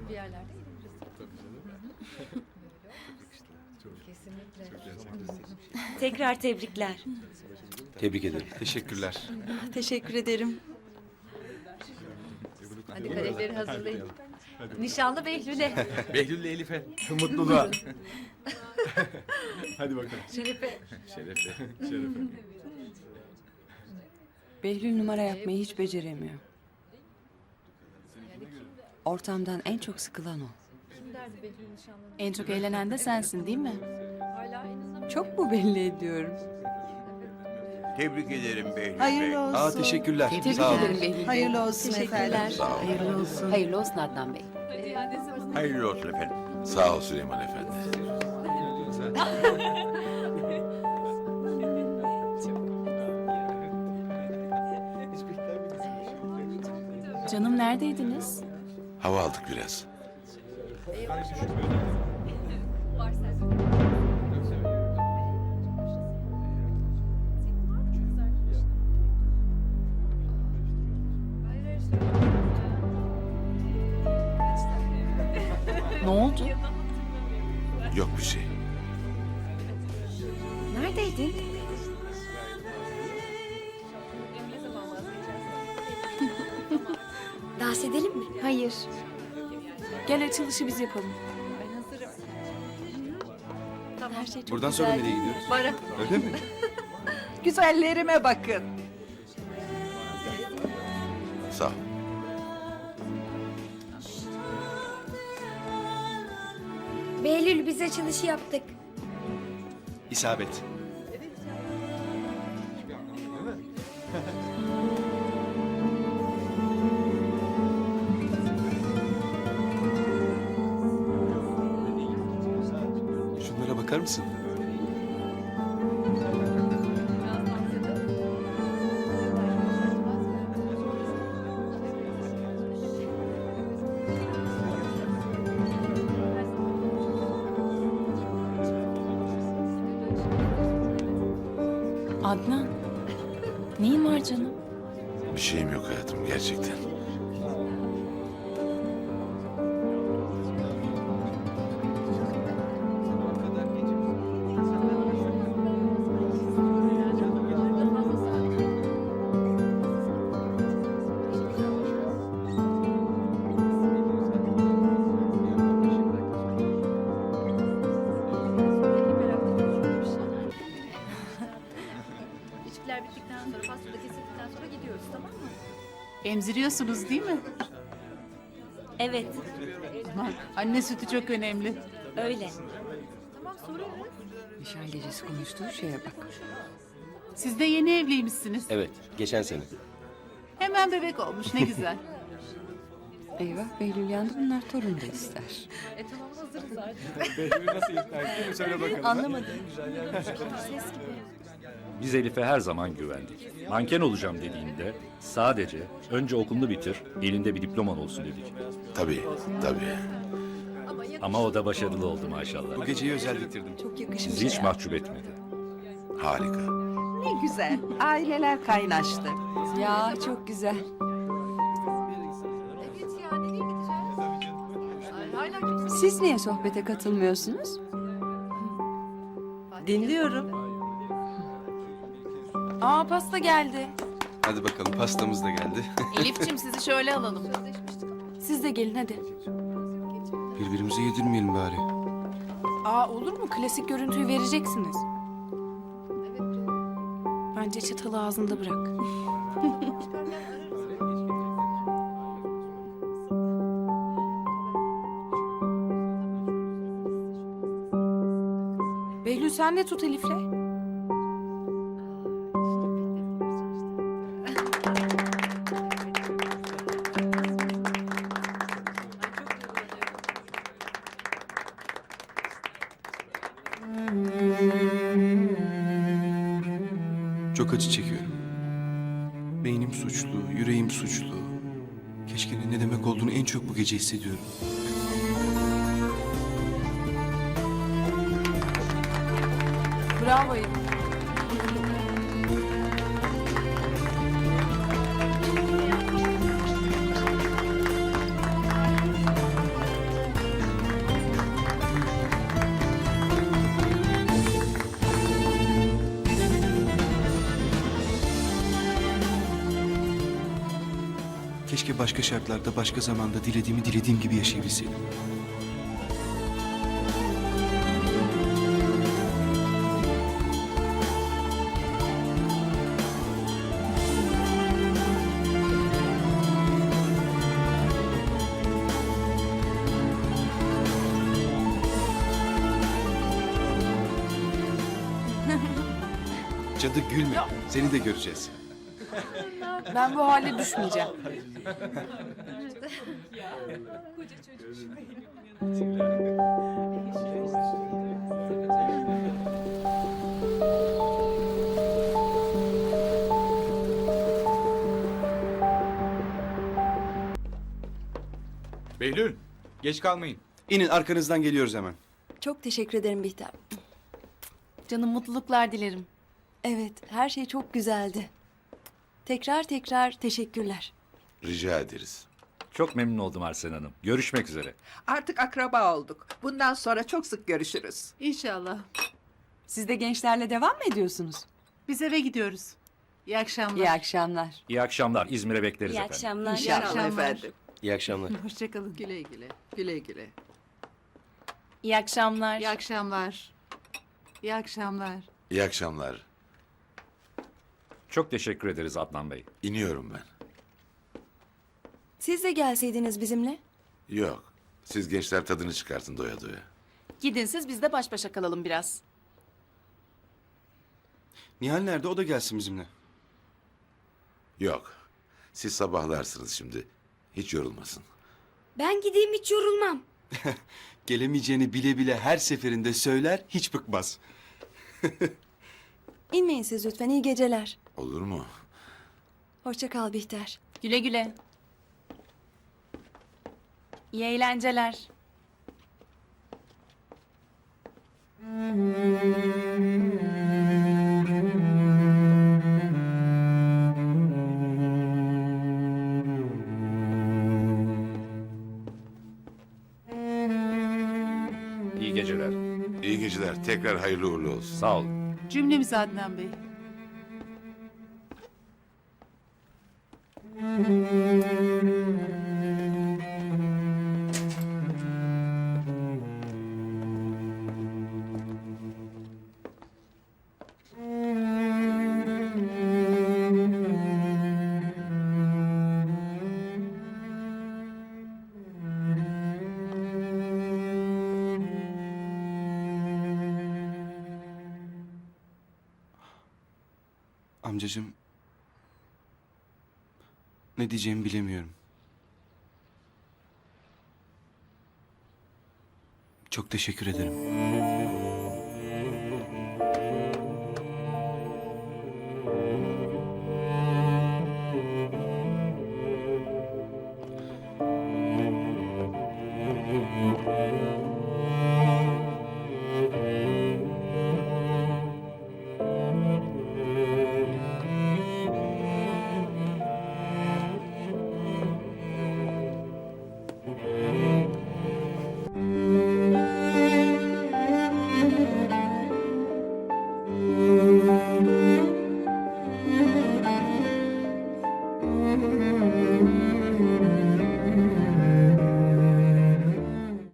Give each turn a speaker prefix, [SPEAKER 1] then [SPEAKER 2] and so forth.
[SPEAKER 1] bir yerlerde Kesinlikle.
[SPEAKER 2] Tekrar tebrikler.
[SPEAKER 3] Tebrik ederim. Teşekkürler.
[SPEAKER 4] Teşekkür ederim.
[SPEAKER 1] Hadi kadehleri hazırlayın. Nişanlı Behlül'e.
[SPEAKER 3] Behlül'le Elif'e.
[SPEAKER 5] Mutluluğa. Hadi bakalım.
[SPEAKER 1] Şerefe.
[SPEAKER 3] Şerefe.
[SPEAKER 4] Behlül numara yapmayı hiç beceremiyor. Ortamdan en çok sıkılan o.
[SPEAKER 1] Kim derdi Behlül nişanlını?
[SPEAKER 6] En çok eğlenen de sensin değil mi?
[SPEAKER 1] Hala en azından
[SPEAKER 4] Çok mu belli ediyorum?
[SPEAKER 7] Tebrik ederim Behlül Bey.
[SPEAKER 8] Hayırlı olsun.
[SPEAKER 3] Aa teşekkürler.
[SPEAKER 6] Tebrik
[SPEAKER 3] Sağ olun.
[SPEAKER 6] ederim Behlül Bey.
[SPEAKER 8] Hayırlı olsun efendim.
[SPEAKER 6] Hayırlı olsun. Hayırlı olsun Adnan Bey.
[SPEAKER 7] Hayırlı olsun efendim.
[SPEAKER 5] Sağ ol Süleyman Efendi.
[SPEAKER 6] Canım neredeydiniz?
[SPEAKER 5] Hava aldık biraz.
[SPEAKER 1] var sen.
[SPEAKER 6] Ne oldu?
[SPEAKER 5] Yok bir şey.
[SPEAKER 4] Neredeydin?
[SPEAKER 2] Dans edelim mi?
[SPEAKER 6] Hayır. Gel açılışı biz yapalım.
[SPEAKER 1] Ben hazırım.
[SPEAKER 4] Her şey çok
[SPEAKER 3] Buradan sonra
[SPEAKER 4] güzel.
[SPEAKER 3] nereye gidiyoruz?
[SPEAKER 1] Bara.
[SPEAKER 3] Öyle mi?
[SPEAKER 8] Güzellerime bakın.
[SPEAKER 5] Sağ ol.
[SPEAKER 2] Behlül biz açılışı yaptık.
[SPEAKER 3] İsabet. Şunlara bakar mısın?
[SPEAKER 6] Adnan. Neyin var canım?
[SPEAKER 5] Bir şeyim yok hayatım gerçekten.
[SPEAKER 1] İçkiler bittikten sonra, pasta da kesildikten sonra gidiyoruz, tamam mı?
[SPEAKER 6] Emziriyorsunuz değil mi?
[SPEAKER 2] Evet,
[SPEAKER 6] Aman, anne sütü çok önemli.
[SPEAKER 2] öyle.
[SPEAKER 1] Tamam, soruyoruz.
[SPEAKER 4] Nişan gecesi konuştuğu şeye bak.
[SPEAKER 6] Siz de yeni evliymişsiniz.
[SPEAKER 3] Evet. Geçen sene.
[SPEAKER 6] Hemen bebek olmuş ne güzel.
[SPEAKER 4] Eyvah Behlül yandı, bunlar torun da ister.
[SPEAKER 1] Tamam, hazırız artık.
[SPEAKER 3] Söyle bakalım.
[SPEAKER 4] Anlamadım.
[SPEAKER 9] Biz Elif'e her zaman güvendik. Manken olacağım dediğinde sadece önce okulunu bitir, elinde bir diploman olsun dedik.
[SPEAKER 5] Tabii, tabii.
[SPEAKER 9] Ama o da başarılı oldu maşallah.
[SPEAKER 3] Bu geceyi özel bitirdim.
[SPEAKER 4] Çok yakışmış.
[SPEAKER 9] Sizi hiç
[SPEAKER 4] ya.
[SPEAKER 9] mahcup etmedi.
[SPEAKER 5] Harika.
[SPEAKER 8] Ne güzel. Aileler kaynaştı.
[SPEAKER 4] Ya çok güzel.
[SPEAKER 1] Evet ya, nereye gideceğiz? Ay, hala kimse...
[SPEAKER 4] Siz niye sohbete katılmıyorsunuz?
[SPEAKER 8] Dinliyorum.
[SPEAKER 6] Aa pasta geldi.
[SPEAKER 3] Hadi bakalım pastamız da geldi.
[SPEAKER 6] Elif'ciğim sizi şöyle alalım. Siz de gelin hadi.
[SPEAKER 3] Birbirimize yedirmeyelim bari.
[SPEAKER 6] Aa olur mu? Klasik görüntüyü vereceksiniz. Bence çatalı ağzında bırak. Behlül sen de tut Elif'le.
[SPEAKER 3] Çok acı çekiyorum. Beynim suçlu, yüreğim suçlu. Keşke'nin ne demek olduğunu en çok bu gece hissediyorum.
[SPEAKER 6] Bravo Elif.
[SPEAKER 3] Keşke başka şartlarda, başka zamanda dilediğim gibi yaşayabilseydim. Cadı gülme. Seni de göreceğiz.
[SPEAKER 6] Ben bu hale düşmeyeceğim.
[SPEAKER 10] Behlül, geç kalmayın.
[SPEAKER 3] İnin, arkanızdan geliyoruz hemen.
[SPEAKER 11] Çok teşekkür ederim Bihter.
[SPEAKER 6] Canım mutluluklar dilerim.
[SPEAKER 11] Evet, her şey çok güzeldi. Tekrar tekrar teşekkürler.
[SPEAKER 5] Rica ederiz.
[SPEAKER 9] Çok memnun oldum Arsen Hanım. Görüşmek üzere.
[SPEAKER 8] Artık akraba olduk. Bundan sonra çok sık görüşürüz.
[SPEAKER 6] İnşallah.
[SPEAKER 4] Siz de gençlerle devam mı ediyorsunuz?
[SPEAKER 6] Biz eve gidiyoruz. İyi akşamlar.
[SPEAKER 4] İyi akşamlar.
[SPEAKER 9] İyi akşamlar. İzmir'e bekleriz
[SPEAKER 2] İyi
[SPEAKER 9] efendim.
[SPEAKER 2] akşamlar.
[SPEAKER 8] İnşallah
[SPEAKER 6] akşamlar.
[SPEAKER 8] efendim.
[SPEAKER 3] İyi akşamlar.
[SPEAKER 6] Hoşçakalın.
[SPEAKER 8] Güle güle. Güle güle.
[SPEAKER 2] İyi akşamlar.
[SPEAKER 6] İyi akşamlar. İyi akşamlar.
[SPEAKER 5] İyi akşamlar.
[SPEAKER 9] Çok teşekkür ederiz Adnan Bey.
[SPEAKER 5] İniyorum ben.
[SPEAKER 11] Siz de gelseydiniz bizimle.
[SPEAKER 5] Yok. Siz gençler tadını çıkartın doya doya.
[SPEAKER 6] Gidin siz biz de baş başa kalalım biraz.
[SPEAKER 3] Nihal nerede? O da gelsin bizimle.
[SPEAKER 5] Yok. Siz sabahlarsınız şimdi. Hiç yorulmasın.
[SPEAKER 2] Ben gideyim, hiç yorulmam.
[SPEAKER 3] Gelemeyeceğini bile bile her seferinde söyler, hiç bıkmaz.
[SPEAKER 11] İnmeyin siz lütfen, iyi geceler.
[SPEAKER 5] Olur mu?
[SPEAKER 11] Hoşça kal Bihter.
[SPEAKER 6] Güle güle. İyi eğlenceler.
[SPEAKER 9] İyi geceler.
[SPEAKER 5] İyi geceler. Tekrar hayırlı uğurlu olsun.
[SPEAKER 9] Sağ olun.
[SPEAKER 6] Cümlemiz Adnan Bey.
[SPEAKER 3] Amcacığım, ne diyeceğimi bilemiyorum. Çok teşekkür ederim.